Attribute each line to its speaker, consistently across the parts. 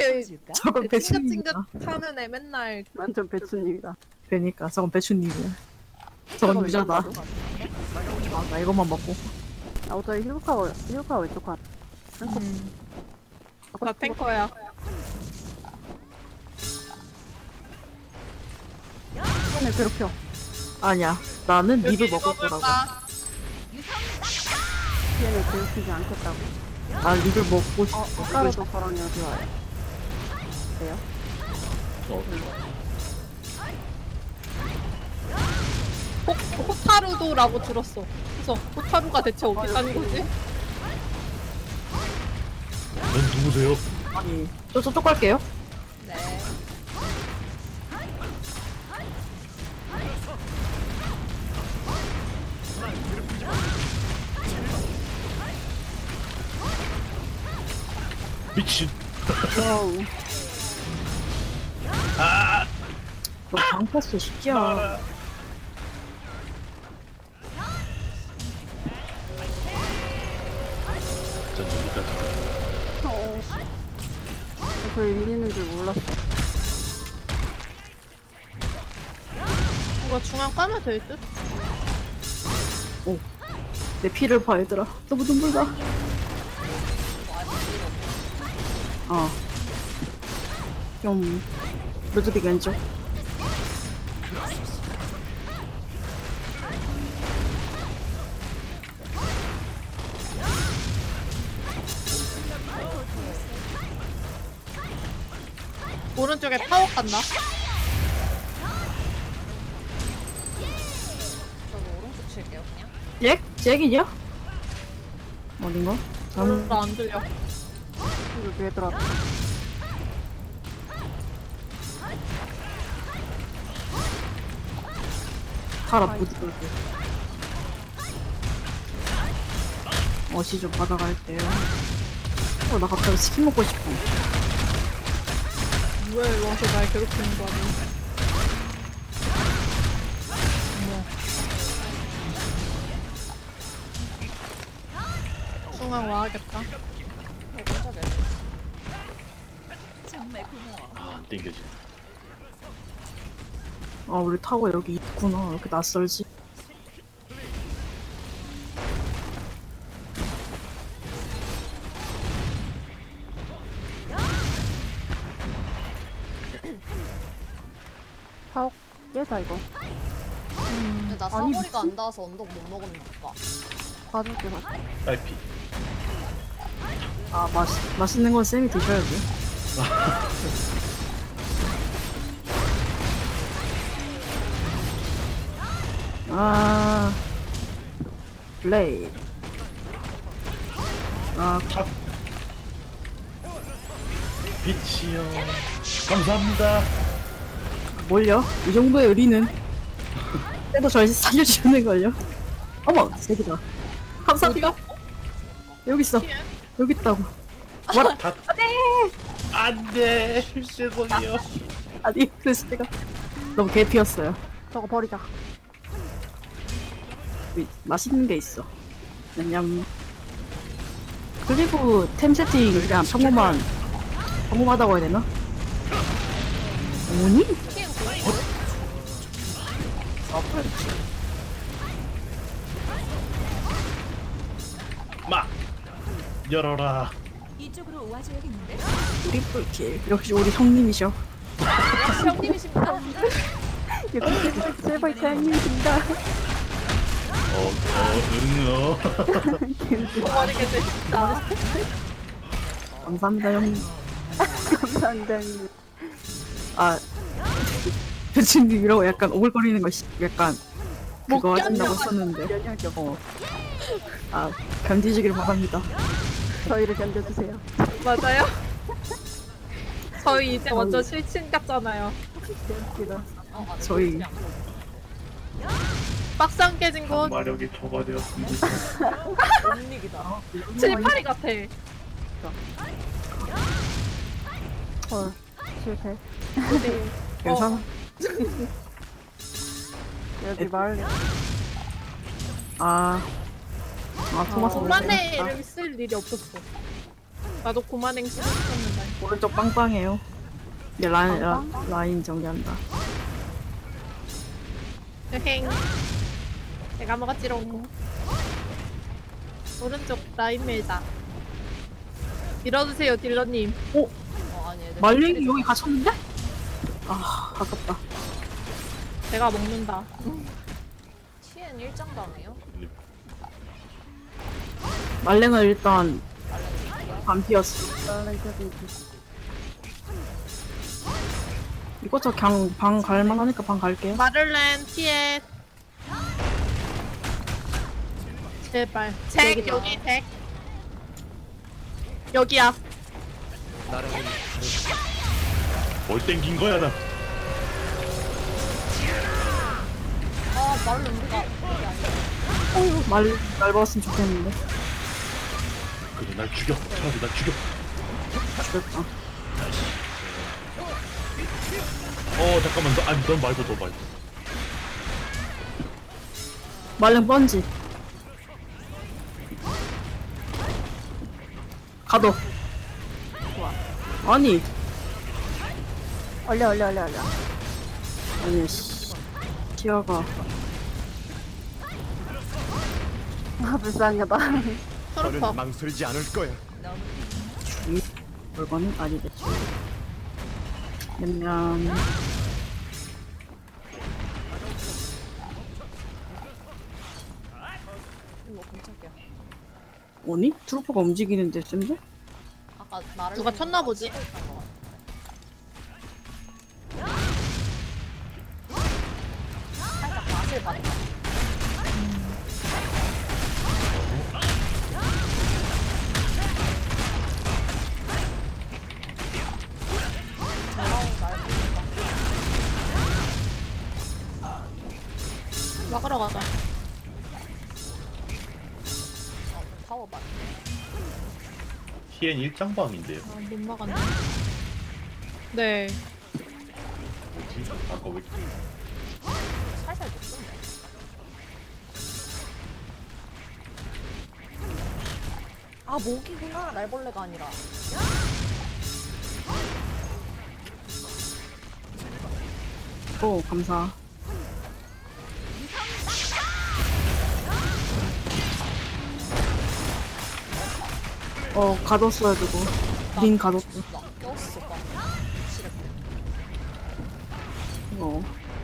Speaker 1: 저희
Speaker 2: 저건 배추님이다.
Speaker 1: 찡긋찡긋하는 애 맨날
Speaker 3: 완전 배추님이다.
Speaker 2: 그러니까 저건 배추님이야. 저건 유자다. 아, 나 이것만 먹고.
Speaker 3: 아, 어차피 힐카 왼쪽 한.
Speaker 1: 나 탱커야.
Speaker 3: 손을 괴롭혀.
Speaker 2: 아니야. 나는
Speaker 1: 여기
Speaker 2: 립을 먹을 거라고.
Speaker 1: 먹을까?
Speaker 3: 얘를 괴롭히지 않겠다고.
Speaker 2: 나 립을 먹고 싶어.
Speaker 3: 꽃가루도 저랑 여기 와요. 돼요?
Speaker 1: 호타루도라고 들었어. 그래서 호타루가 대체 어디 사는 거지?
Speaker 4: 넌 누구세요?
Speaker 2: 아니, 저쪽 갈게요.
Speaker 1: 네.
Speaker 4: 미친.
Speaker 3: 어우.
Speaker 2: 너 방패스 쉽지야.
Speaker 4: 전 여기까지.
Speaker 3: 저희 밀리는 줄 몰랐어.
Speaker 1: 뭔가 중앙 까면 될 듯?
Speaker 2: 내 피를 봐, 얘들아. 너무 눈물 나. 좀, 루드빅 왼쪽.
Speaker 1: 오른쪽에 타워 간다. 저도 오른쪽 칠게요 그냥.
Speaker 2: 잭? 잭이냐? 어딘가?
Speaker 1: 별로 안 들려.
Speaker 3: 여기 얘들아.
Speaker 2: 살아, 부드럽게. 어시 좀 받아갈게요. 나 갑자기 치킨 먹고 싶어.
Speaker 1: 왜 와서 날 괴롭히는 거 아니야? 어머. 중앙 와야겠다.
Speaker 4: 안 땡겨지.
Speaker 2: 아, 우리 타고 여기 있구나. 왜 이렇게 낯설지?
Speaker 3: 사옥 깨자 이거.
Speaker 5: 근데 나
Speaker 3: 아니,
Speaker 5: 사거리가 안 닿아서 언덕 못 먹었나 봐.
Speaker 3: 봐줄게 봐.
Speaker 4: 딸피.
Speaker 2: 아, 맛있는 건 쌤이 드셔야지. 아, 플레이. 아,
Speaker 4: 빛이요. 감사합니다.
Speaker 2: 뭘요? 이 정도의 의리는 그래도 절 살려주는걸요. 어머, 새끼다. 감사합니다. 여기 있어. 여기 있다고. 뭐라?
Speaker 4: 다. 안돼. 죄송해요.
Speaker 2: 아니, 그래서 제가 너무 개피였어요.
Speaker 3: 저거 버리자.
Speaker 2: 맛있는 게 있어. 냠냠. 그리고 템 세팅 그냥 평범하다고 해야 되나? 뭐니?
Speaker 4: 막 열어라.
Speaker 6: 이쪽으로 와줘야겠는데?
Speaker 2: 우리 뿔킬. 역시 우리 형님이셔.
Speaker 1: 형님이십니다.
Speaker 3: 여기 제발 대한민국입니다.
Speaker 1: 버리게 되셨다.
Speaker 2: 감사합니다, 형님.
Speaker 3: 감사합니다.
Speaker 2: 아, 배추님이라고 약간 오글거리는 거 약간 그거
Speaker 1: 못
Speaker 2: 하신다고
Speaker 1: 견뎌.
Speaker 2: 썼는데.
Speaker 3: 면역력.
Speaker 2: 아, 견디시길 바랍니다.
Speaker 3: 저희를 견뎌주세요.
Speaker 1: 맞아요? 저희 이제 완전 실친 같잖아요.
Speaker 3: 웃기다.
Speaker 2: 저희
Speaker 1: 박상 깨진 곳
Speaker 4: 마력이 초과되었습니다.
Speaker 1: 782 같아.
Speaker 3: 헐. 실패.
Speaker 2: 괜찮아.
Speaker 3: 여기 마을.
Speaker 2: 아, 토마스
Speaker 1: 오만의
Speaker 2: 먹어야겠다.
Speaker 1: 이름 쓸 일이 없었어. 나도 고만행 쓰고 싶었는데.
Speaker 2: 오른쪽 빵빵해요. 이제 라인 정리한다.
Speaker 1: 여행. 내가 먹었지롱. 오른쪽 라인 밀자. 밀어주세요, 딜러님.
Speaker 5: 아니 애들
Speaker 2: 말랭이 여기 갇혔는데? 아, 아깝다.
Speaker 1: 내가 먹는다.
Speaker 5: TN 1장당해요?
Speaker 2: 말랭은 일단 반피였어. 이거 저 그냥 방 갈만하니까 방 갈게요.
Speaker 1: 마를렌, 피에. 제발. 잭, 여기 잭. 여기야.
Speaker 4: 뭘 땡긴 거야 나.
Speaker 5: 아 말을 누가
Speaker 2: 말 봤으면 좋겠는데.
Speaker 4: 그래 날 죽여. 차라리 날 죽여.
Speaker 2: 죽였다.
Speaker 4: 잠깐만 넌 말고 너 말고.
Speaker 2: 말랭 번지. 가도. 아니,
Speaker 3: 얼려.
Speaker 2: 아니, 씨. 티아가.
Speaker 3: 아, 불쌍하다.
Speaker 1: 트루퍼.
Speaker 7: 망설이지 않을 거야.
Speaker 2: 물건은 아니겠지. 그냥
Speaker 5: 이거 깜짝이야.
Speaker 2: 뭐니? 트루퍼가 움직이는데 쌤들?
Speaker 5: 아까 나를
Speaker 1: 누가 쳤나 보지?
Speaker 5: 치고 있던 거 같아. 살짝 맛을 봤다.
Speaker 1: 막으러 가자.
Speaker 5: 타워 봐.
Speaker 4: TN 1장방인데요.
Speaker 1: 아, 못 막았네. 네.
Speaker 4: 뭐지? 아까 왜 이렇게
Speaker 5: 살살 녹던데. 아 모기구나 날벌레가 아니라.
Speaker 2: 오, 감사. 가뒀어야 되고. 린 가뒀어.
Speaker 5: 나 꼈어 봐. 지렸대.
Speaker 2: 어.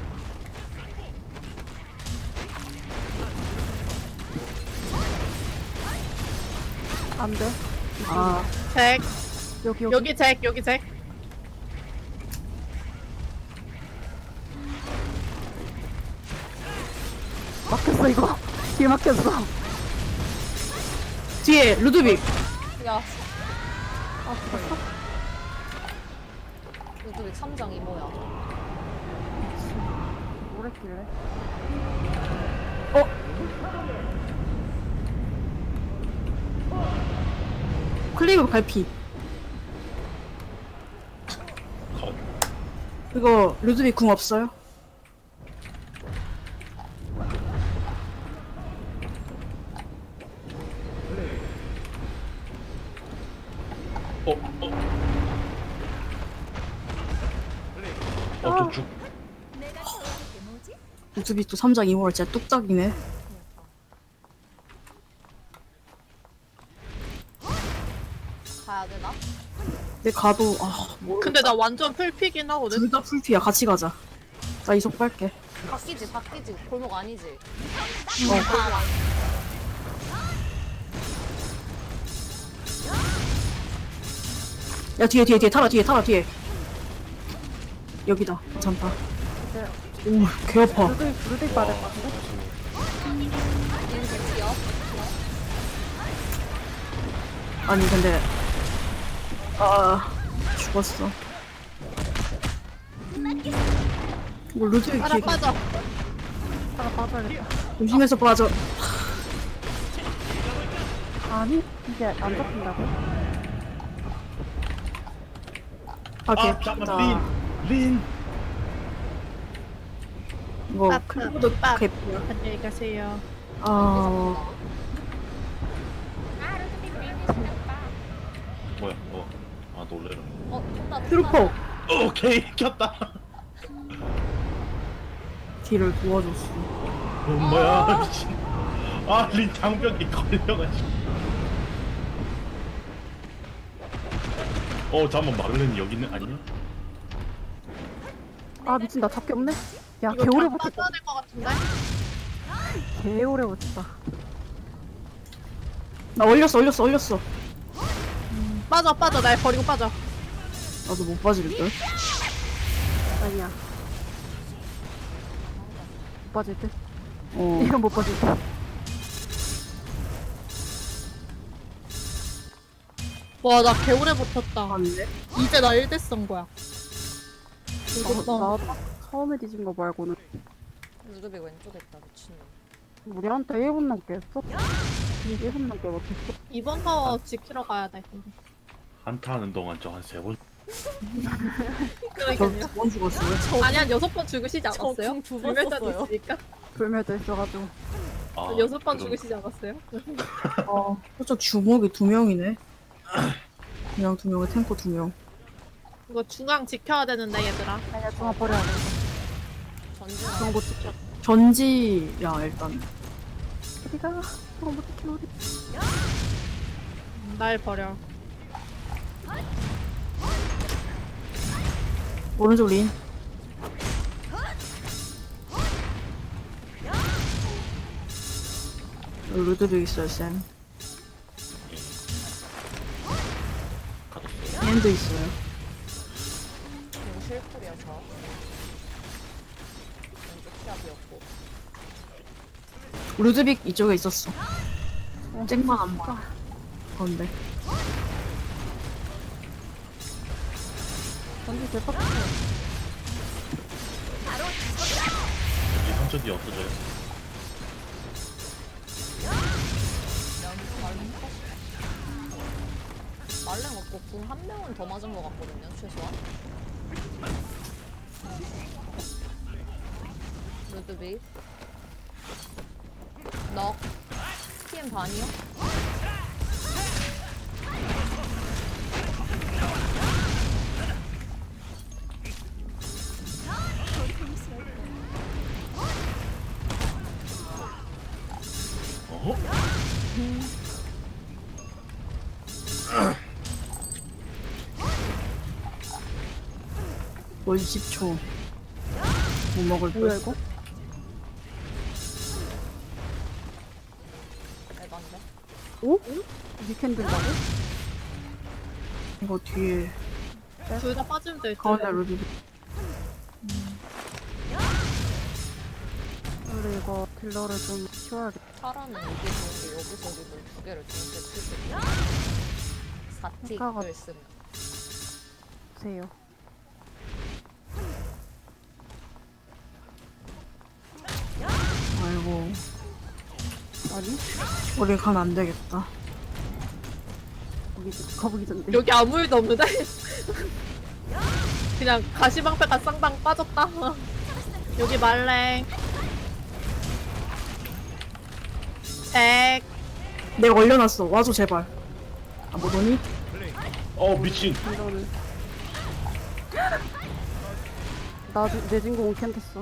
Speaker 3: 안 돼.
Speaker 2: 아,
Speaker 1: 잭.
Speaker 3: 여기.
Speaker 1: 여기 잭, 여기 잭.
Speaker 3: 막혔어, 이거. 뒤에 막혔어.
Speaker 2: 뒤에 루드빅.
Speaker 5: 야. 아 죽었어? 루드빅 3장 이모야.
Speaker 3: 뭐랬길래?
Speaker 2: 클리브 갈피.
Speaker 4: 컷.
Speaker 2: 이거 루드빅 궁 없어요?
Speaker 4: 저 죽.
Speaker 6: 내가 좋아하는 게 뭐지?
Speaker 2: 루드빅 또 3장 2호를 진짜 뚝딱이네.
Speaker 5: 가야 되나?
Speaker 2: 근데 가도
Speaker 1: 근데 나 완전 풀피긴 하거든.
Speaker 2: 둘 다 풀피야. 같이 가자. 나 이속 빨게.
Speaker 5: 바뀌지 골목 아니지.
Speaker 2: 야, 뒤에 타라 뒤에. 여기다. 괜찮다. 오, 개 아파.
Speaker 3: 루드 받을 것 같은데?
Speaker 5: 얘는 백지요.
Speaker 2: 아니 근데 죽었어. 뭐 루드빅
Speaker 1: 따라
Speaker 2: 뒤에
Speaker 1: 빠져.
Speaker 3: 하나 빠져야겠다.
Speaker 2: 조심해서 빠져.
Speaker 3: 아니, 이제 안 잡힌다고?
Speaker 4: 잠깐만 린.
Speaker 2: 이거
Speaker 1: 빡,
Speaker 2: 클리브도
Speaker 1: 빡.
Speaker 2: 개피야.
Speaker 1: 안녕히 가세요.
Speaker 4: 뭐야? 놀래라.
Speaker 5: 쏜다.
Speaker 2: 트루퍼
Speaker 4: 오케이 켰다.
Speaker 2: 딜을 도와줬어.
Speaker 4: 뭐야? 미친. 린 장벽이 걸려가지고. 잠깐만 마를렌이 여기 있는 아니냐?
Speaker 3: 아 미친 나 잡기 없네. 야
Speaker 1: 이거
Speaker 3: 개오래
Speaker 1: 다
Speaker 3: 버텼다.
Speaker 1: 빠져야 될 것 같은데?
Speaker 3: 개오래 버텼다.
Speaker 2: 나 올렸어.
Speaker 1: 빠져. 날 버리고 빠져.
Speaker 2: 나도 못 빠질걸?
Speaker 3: 아니야. 못 빠질 듯.
Speaker 2: 어.
Speaker 3: 이건 못 빠질 듯.
Speaker 1: 와, 나 개오래 버텼다.
Speaker 2: 맞네.
Speaker 1: 이제 나 1대 쓴 거야.
Speaker 3: 나 처음에 뒤진 거 말고는
Speaker 5: 루드빅 왼쪽에 있다 미친놈.
Speaker 3: 우리한테 1분 넘게 했어. 1분 넘게 못했어.
Speaker 1: 이번 거 지키러 가야 돼.
Speaker 4: 한타 하는 동안 저 한 3번.
Speaker 1: 그러니까요.
Speaker 2: 저두번 죽었어요.
Speaker 1: 아니, 한 6번 죽으시지 않았어요?
Speaker 5: 저두번
Speaker 1: 불멸자도
Speaker 5: 썼어요.
Speaker 1: 있으니까.
Speaker 3: 불멸도 있어가지고.
Speaker 1: 6번
Speaker 4: 그럼-
Speaker 1: 죽으시지 않았어요?
Speaker 2: 살짝 주먹이 2명이네. 그냥 2명에 탱커 2명.
Speaker 1: 이거 중앙 지켜야 되는데, 얘들아.
Speaker 3: 아니야 중앙 버려야 돼.
Speaker 5: 전진.
Speaker 3: 중앙 못 지켜.
Speaker 2: 전지야 일단.
Speaker 3: 어디가? 중앙 못 지켜 어디?
Speaker 1: 날 버려.
Speaker 2: 오른쪽 린. 여기 루드빅 있어요 쌤.
Speaker 4: 가뒀어요.
Speaker 2: 앤도 있어요.
Speaker 5: 그리고 실풀이야 저. 왼쪽 시합이었고.
Speaker 2: 루드빅 이쪽에 있었어. 쨍만 안 봐. 그런데
Speaker 3: 전지 대박.
Speaker 4: 이 한쪽이 없어져요.
Speaker 5: 말랭 없고 궁 한 명은 더 맞은 것 같거든요 최소한. 루드빅. 넉. TM 반이요?
Speaker 4: 어허?
Speaker 2: 월 10초. 못 먹을
Speaker 3: 뭐야
Speaker 2: 걸.
Speaker 3: 이거?
Speaker 5: 에반데?
Speaker 3: 오? 위켄 든다고?
Speaker 2: 이거 뒤에
Speaker 1: 둘 다 빠지면 될 듯.
Speaker 2: 가운데 루드빅.
Speaker 3: 우리 이거 딜러를 좀 키워야겠다.
Speaker 5: 파라는 이게 좋은 게 여기서 리들 두 개를 동시에 칠수 있고
Speaker 3: 효과가-
Speaker 5: 4틱을 쓰면
Speaker 3: 보세요.
Speaker 2: 아이고
Speaker 3: 아니?
Speaker 2: 우리 가면 안 되겠다.
Speaker 3: 거북이 전데.
Speaker 1: 여기 아무 일도 없는데? 그냥 가시방패가 쌍방 빠졌다. 여기 말랭. 백.
Speaker 2: 내가 올려놨어. 와줘 제발. 아 뭐더니?
Speaker 4: 미친.
Speaker 3: 이거는 내 진공 캔 탔어.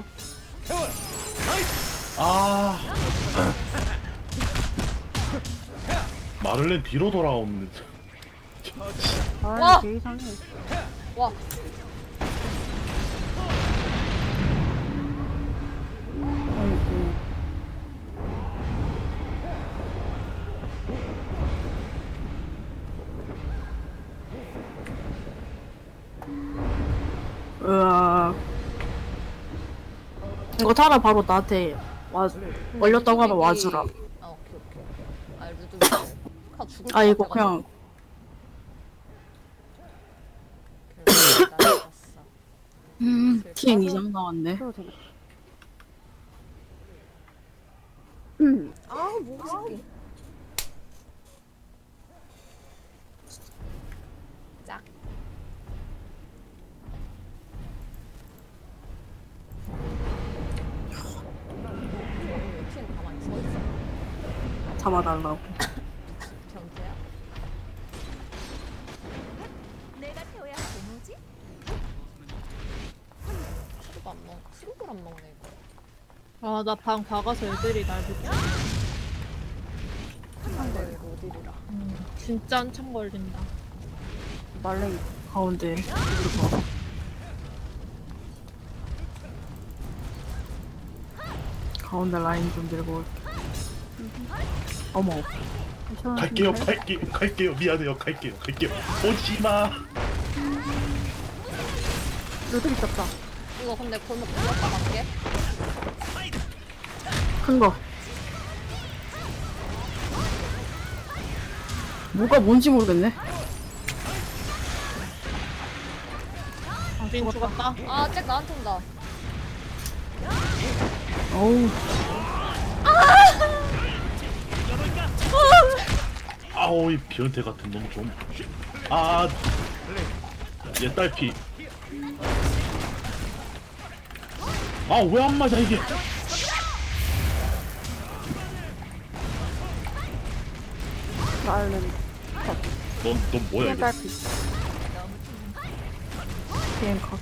Speaker 4: 마를렌 뒤로 돌아오는.
Speaker 5: 와!
Speaker 3: 아 개 이상해.
Speaker 5: 와
Speaker 2: 아이고. 으아. 이거 타라 바로 나한테 와 올렸다고 하면 와주라.
Speaker 5: 아 오케이 아 루드빅 카 죽을 것
Speaker 2: 아 이거
Speaker 5: 같아가지고.
Speaker 2: 그냥
Speaker 5: 날렸어.
Speaker 2: TN 2장 나왔네.
Speaker 3: 키워 되네.
Speaker 5: 아우 모기 새끼 짝 왜 TN 가만히 서있어
Speaker 2: 잡아달라고.
Speaker 5: 변태야? 안 먹, 수육을 안 먹네 이거.
Speaker 1: 아, 나 방 박아서 애들이 날 붙여.
Speaker 5: 한데 로딜이라.
Speaker 1: 진짜 한참 걸린다.
Speaker 3: 말랭이.
Speaker 2: 가운데 이거 가운데 라인 좀 밀고 올게. 어머
Speaker 4: 갈게요, 갈게요. 미안해요, 갈게요. 오지마.
Speaker 3: 루드 있었다.
Speaker 5: 이거 근데 골목 불렀다 갈게.
Speaker 2: 큰거 뭐가 뭔지 모르겠네.
Speaker 1: 린 죽었다.
Speaker 5: 아, 잭 나한테 온다.
Speaker 2: 어우
Speaker 4: 아우, 이 변태 같은 놈 좀. 아, 얘 딸피. 아, 왜 안 맞아 이게?
Speaker 3: 말랭이.
Speaker 4: 넌 뭐야 이게?
Speaker 3: 딸피.
Speaker 2: 비행 컷.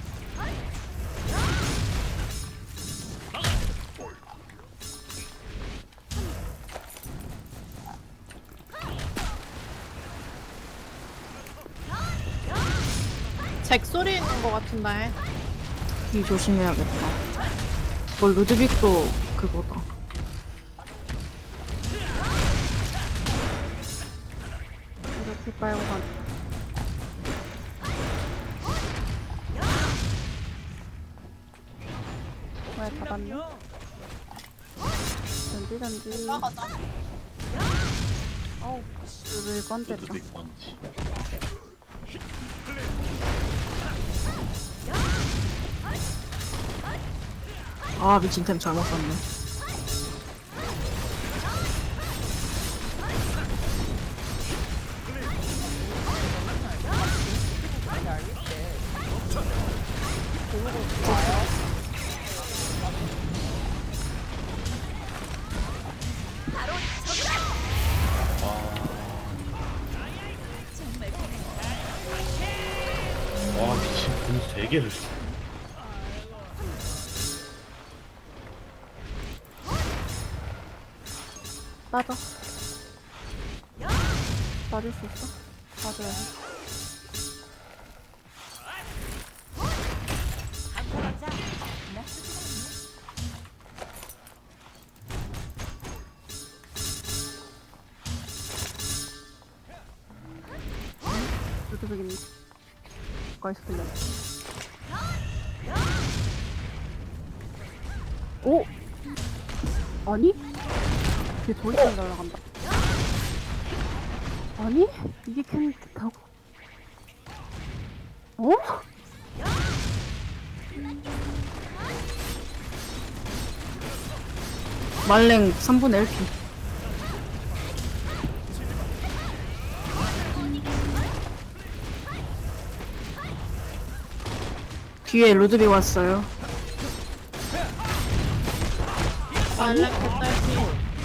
Speaker 1: 잭 소리 있는 거 같은데.
Speaker 2: 이 조심해야겠다. 뭘 루드빅도 그거다.
Speaker 3: 이렇게 빨고 간. 왜 잡았네? 던지.
Speaker 1: 나가자.
Speaker 3: 루드 건졌다.
Speaker 4: 어떻게 건지.
Speaker 2: 아 미친 템 잘못 썼네.
Speaker 4: 와, 미친 공 3개를.
Speaker 3: 빠져. 빠질 수 있어? 빠져야 해. 루드빅이네. 가까이서 들려. 오! 아니? 걔 돌리면 날아간다. 아니? 이게 캔 됐다고? 어?
Speaker 2: 말랭 3분의 1피. 뒤에 루드빅 왔어요.
Speaker 1: 말랭 개딸피.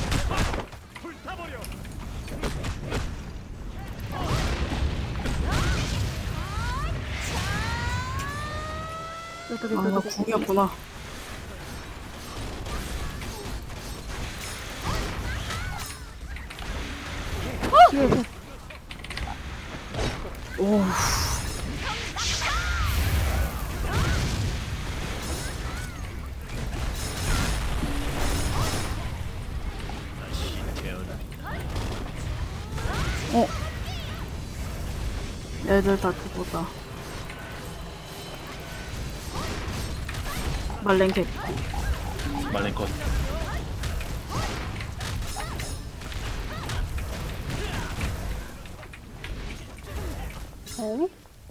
Speaker 3: 루드빅,
Speaker 2: 아 이거
Speaker 3: 루드빅.
Speaker 2: 궁이었구나.
Speaker 3: 뒤에 쟤.
Speaker 2: 오. 어. 애들 다 그거다. 말랭캡.
Speaker 4: 말랭 컷.
Speaker 3: 어?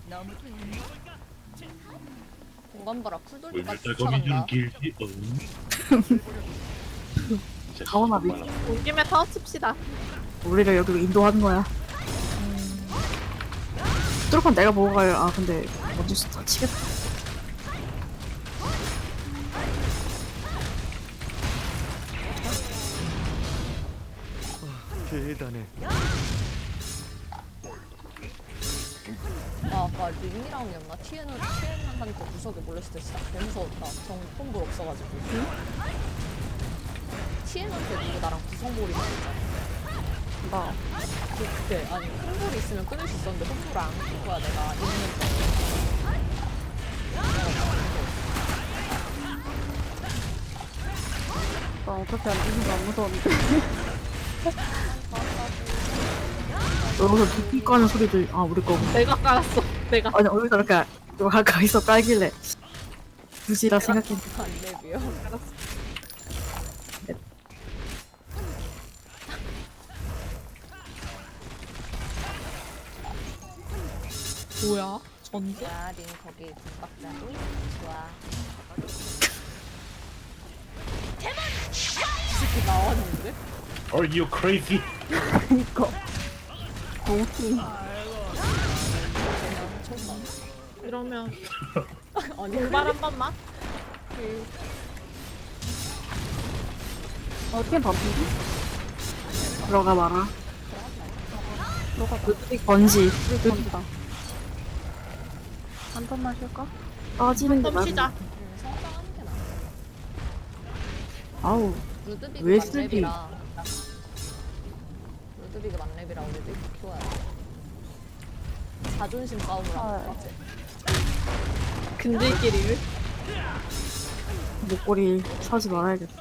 Speaker 5: 공간 봐라. 쿨돌리까지
Speaker 4: 물들거미
Speaker 5: 쫓아간다.
Speaker 4: 길지.
Speaker 2: 가오나 미.
Speaker 1: 온 김에 타워 칩시다.
Speaker 2: 우리를 여기로 인도하는 거야. 뚜루컨 내가 보고 가요. 아 근데 먼저 다치겠다.
Speaker 7: 대단해.
Speaker 5: 아, 아까 링이랑이었나? TN은 팀한테 구석에 몰렸을 때 진짜 개 무서웠다. 정 콤보 없어가지고. TN한테 누구 나랑 구성몰이 있었잖아.
Speaker 3: 나
Speaker 5: 그때 아니 큰 볼이 있으면 끊을 수 있었는데 콤보를 안끈 거야 내가 있는 거.
Speaker 3: 나 어차피 안 무서운데.
Speaker 2: 여기서 두피 까는 소리도 아 우리 거고.
Speaker 1: 내가 깔았어. 내가.
Speaker 2: 아니 어디서 이렇게 가까이서 깔길래 굳이라 생각했는데
Speaker 5: 안 내비요.
Speaker 1: 뭐야? 전개?
Speaker 5: 야, 린 거기 국박자도 좋아. 이 새끼 나왔는데?
Speaker 4: Are you crazy?
Speaker 3: 그니까. 너무
Speaker 1: 이러면
Speaker 5: 아니
Speaker 1: 공발 한 번만?
Speaker 3: 어떻게 반피지?
Speaker 2: 들어가 봐라.
Speaker 3: 들어가자.
Speaker 2: 루드빅 번지
Speaker 3: 우리 전다. 한 번만 쉴까?
Speaker 2: 빠지는 게
Speaker 1: 좀
Speaker 2: 맞아.
Speaker 1: 쉬자.
Speaker 5: 성장하는 게 나아.
Speaker 2: 아우
Speaker 5: 루드비그
Speaker 2: 왜 쓰지?
Speaker 5: 만렙이라. 루드비그 만렙이라 우리도 이렇게 키워야 돼. 자존심 싸움을 하는 거지.
Speaker 1: 근질끼리를.
Speaker 2: 목걸이 사지 말아야겠다.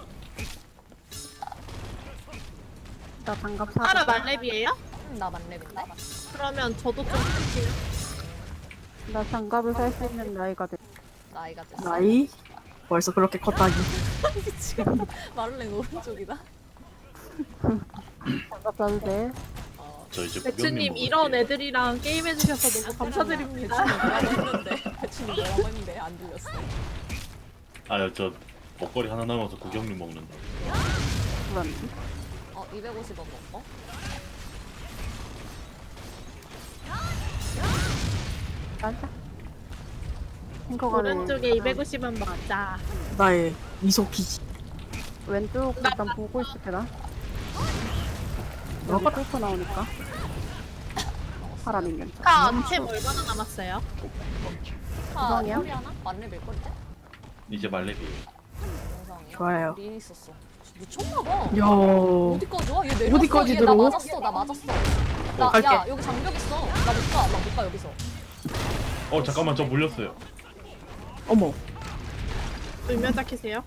Speaker 3: 나 장갑 사.
Speaker 1: 하라 말렙이에요?
Speaker 5: 나 만렙인데?
Speaker 1: 그러면 저도 좀 쓸게요.
Speaker 3: 나 장갑을 살 수 있는 나이가 돼.
Speaker 5: 나이가 됐어.
Speaker 2: 나이? 벌써 그렇게 컸다니.
Speaker 5: 지금 마를렌 오른쪽이다.
Speaker 3: 장갑 사도 돼.
Speaker 4: 저 이제
Speaker 1: 배추님
Speaker 4: 구경님
Speaker 1: 이런
Speaker 4: 먹을게요.
Speaker 1: 애들이랑 게임해주셔서 너무 감사드립니다.
Speaker 5: 뭐라고 했는데 배추님 뭐라고 했는데 안 들렸어.
Speaker 4: 저 먹거리 하나 남아서 구경님 먹는다.
Speaker 3: 그런데.
Speaker 5: 250원 먹고?
Speaker 3: 맞아. 탱커가네.
Speaker 1: 오른쪽에 250원 맞자.
Speaker 2: 나의 미소키지.
Speaker 3: 왼쪽 일단 보고 있을게 나. 여기 뚫고 나오니까. 사람이 괜찮아.
Speaker 1: 템 얼마나 남았어요?
Speaker 3: 구성이야?
Speaker 5: 하나? 만렙일걸 이제?
Speaker 4: 이제 말레비에요.
Speaker 5: 영상이야?
Speaker 2: 좋아요.
Speaker 5: 린 있었어. 미쳤나봐.
Speaker 2: 야
Speaker 5: 어디까지 와? 얘 내렸어.
Speaker 2: 어디까지
Speaker 5: 얘
Speaker 2: 들어?
Speaker 5: 나 맞았어. 나 맞았어.
Speaker 2: 갈게.
Speaker 5: 야 여기 장벽 있어. 나 못 가. 나 못 가 여기서.
Speaker 4: 잠깐만 저 물렸어요.
Speaker 2: 어머
Speaker 1: 울면 닦이세요?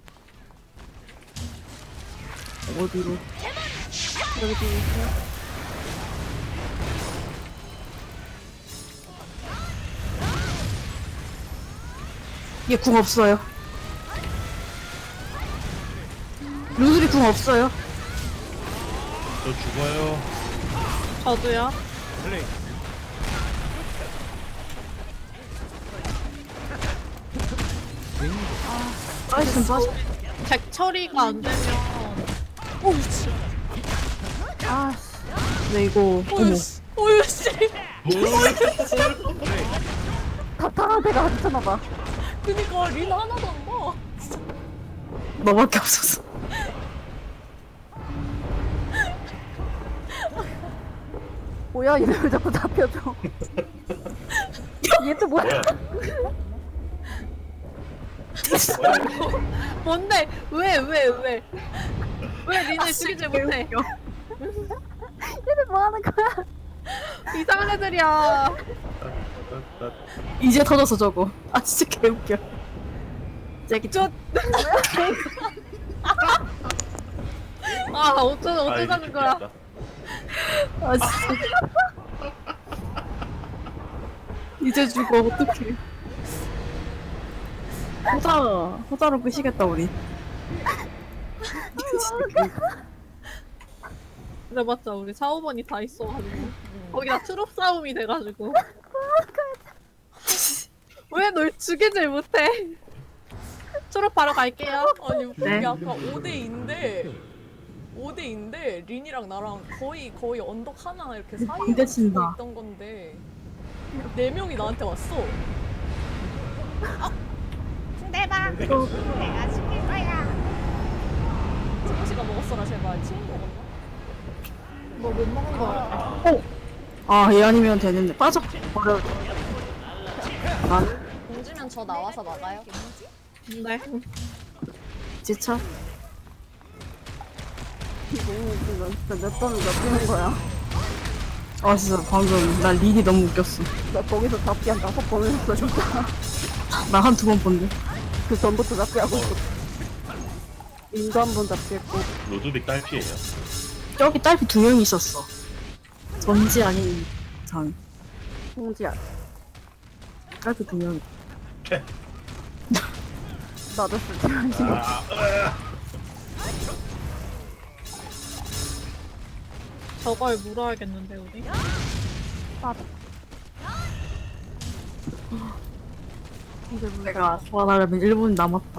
Speaker 2: 어디로?
Speaker 3: 여기 뒤에 있어.
Speaker 2: 얘 궁 없어요. 루드리 궁 없어요.
Speaker 4: 저 죽어요.
Speaker 1: 저도요.
Speaker 2: 빠지면 빠지.
Speaker 1: 잭 처리가 안 되면
Speaker 2: 아, 근데 이거 어머.
Speaker 1: 오유씨
Speaker 3: 타타한테가 안 쳐나봐.
Speaker 5: 그니까 린 하나도 안 봐.
Speaker 2: 너밖에 없었어.
Speaker 3: 뭐야 얘네 왜 자꾸 잡혀줘. 얘 또 뭐야?
Speaker 1: 뭔데? 왜 린을 죽이지 못해?
Speaker 3: 얘네 뭐 하는 거야?
Speaker 1: 이상한 애들이야.
Speaker 2: 이제 터졌어 저거. 아 진짜 개웃겨. 쟤기 쫓.
Speaker 1: 어쩌자는 거야?
Speaker 2: 아 진짜. 이제 죽어 어떡해. 호자로 끄시겠다 우리.
Speaker 1: 근데 맞자 우리 4, 5번이 다 있어가지고 거기다 트롭 싸움이 돼가지고 왜 널 죽이질 못해? 트롭 바로 갈게요.
Speaker 5: 아니 우리
Speaker 2: 네.
Speaker 5: 아까 5대2인데 린이랑 나랑 거의 언덕 하나 이렇게 사이에
Speaker 2: 군대
Speaker 5: 붙고
Speaker 2: 친다.
Speaker 5: 있던 건데 4명이 나한테 왔어.
Speaker 6: 상대방 내가 죽일 거야.
Speaker 5: 승우씨가 먹었어라 제발. 치인 먹었나?
Speaker 1: 뭐 못 먹은 거 같아.
Speaker 2: 아 얘 아니면 되는데 빠져. 버려. 아
Speaker 5: 공지면 되면 저 나와서 막아요.
Speaker 1: 네.
Speaker 2: 지쳐.
Speaker 3: 너무 웃기다. 진짜 몇 번을 몇 거야.
Speaker 2: 아 진짜 방금 나 릭이 너무 웃겼어.
Speaker 3: 나 거기서 잡기 한 5번을 했어, 진짜.
Speaker 2: 나 한 2번 본데.
Speaker 3: 그 전부터 잡기 하고 있어. 인도 한 번 잡기 했고.
Speaker 4: 로드빅 딸피예요.
Speaker 2: 저기 딸피 2명 있었어. 전지 아닌 장.
Speaker 3: 홍지야.
Speaker 2: 딸피 2명.
Speaker 3: 나도 쓰지 않지.
Speaker 1: 저걸 물어야겠는데 우리.
Speaker 3: 맞아.
Speaker 2: 내가 소환하려면 1분 남았다.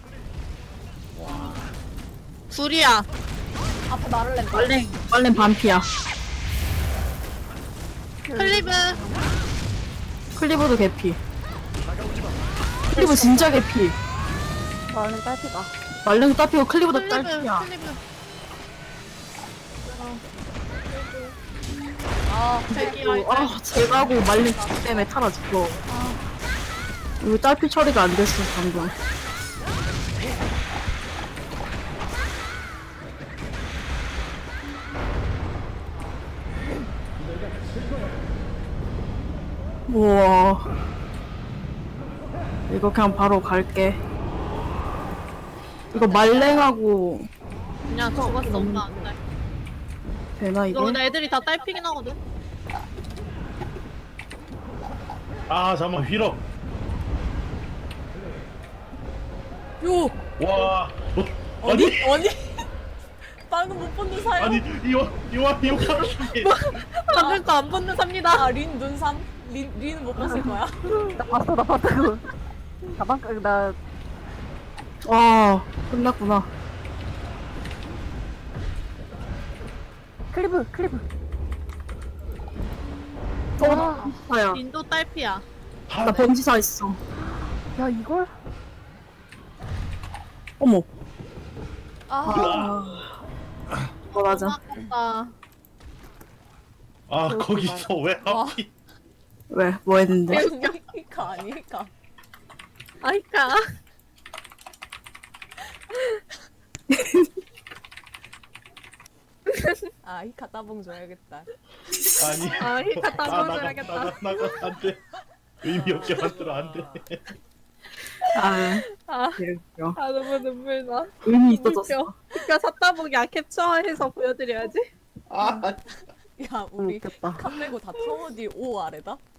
Speaker 1: 둘이야.
Speaker 5: 앞에 말을 낸다.
Speaker 2: 빨랭 반피야.
Speaker 1: 클리브.
Speaker 2: 클리브도 개피. 클리브 진짜 개피.
Speaker 3: 나는 딸피가.
Speaker 2: 말랭도 딸피고 클리브도
Speaker 1: 클리브.
Speaker 2: 딸피야.
Speaker 1: 클리브.
Speaker 5: 아,
Speaker 2: 아, 제가고 말린 때문에 타라 죽어. 이거 딸피 처리가 안 됐어, 방금. 우와. 이거 그냥 바로 갈게. 이거 말랭하고
Speaker 1: 그냥 죽었어. 엄마 안 돼.
Speaker 2: 되나 이게?
Speaker 1: 이거 근데 애들이 다 딸피긴 하거든.
Speaker 4: 아 잠깐만 휘럽.
Speaker 5: 요!
Speaker 4: 와.
Speaker 5: 어디? 어디? 방금 못 본눈 사요.
Speaker 4: 아니 이거 카르슈기.
Speaker 1: 방금 거안 붙는 삽니다.
Speaker 5: 아, 린 눈삼? 린은 못 봤을 거야.
Speaker 3: 나 봤다, 그거. 가방, 나,
Speaker 2: 와, 끝났구나.
Speaker 3: 클리브.
Speaker 2: 아야,
Speaker 1: 인도 딸피야.
Speaker 2: 나 번지사 있어.
Speaker 3: 야, 이걸?
Speaker 2: 어머,
Speaker 5: 아,
Speaker 2: 맞아.
Speaker 1: 아깝다.
Speaker 4: 아 거기서 왜 하필?
Speaker 2: 왜? 뭐 했는데?
Speaker 5: 이카 아니까.
Speaker 1: 아이까.
Speaker 5: 아, 이카 따봉 줘야겠다.
Speaker 4: 아니.
Speaker 1: 아, 히카 따먹어야겠다.
Speaker 4: 나가 안돼. 의미 없게 만들어 안돼.
Speaker 2: 아,
Speaker 1: 아,
Speaker 2: 그래요.
Speaker 1: 아 너무 눈물 나.
Speaker 2: 의미 있어졌어.
Speaker 1: 그니까 삿다보기야 캡처해서 보여드려야지.
Speaker 4: 아
Speaker 5: 야, 우리
Speaker 3: 웃겼다.
Speaker 5: 칸 빼고 다 타워 뒤 5 아래다?